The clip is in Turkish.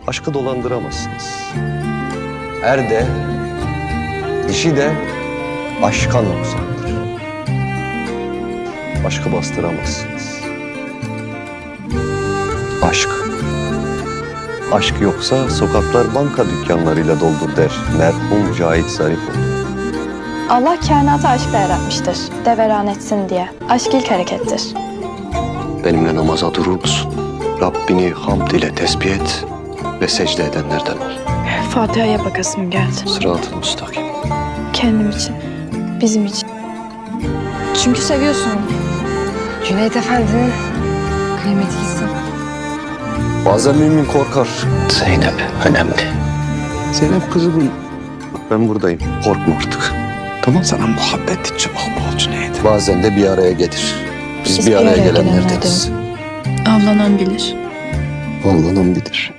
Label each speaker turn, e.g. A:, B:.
A: aşkı dolandıramazsınız. Er de, dişi de aşka noksandır. Aşkı bastıramazsınız. Aşk. Aşk yoksa sokaklar banka dükkanlarıyla doldur der merhum Cahit Zarifoğlu.
B: Allah kainatı aşkla yaratmıştır. Deveran etsin diye. Aşk ilk harekettir.
A: Benimle namaza durur musun? Rabbini hamd ile tesbih et ve secde edenlerden ol.
B: Fatiha'ya bakasım geldi.
A: Sırat-ı müstakim.
B: Kendim için. Bizim için. Çünkü seviyorsun onu.
C: Cüneyt Efendi'nin kıymeti gitsin.
A: Bazen mümin korkar. Zeynep önemli. Zeynep kızımın. Ben buradayım. Korkma artık. Tamam.
D: Sana muhabbet için bol Cüneyt.
A: Bazen de bir araya getir. Biz bir araya gelenlerdeniz.
B: Avlanan bilir.
A: Avlanan bilir.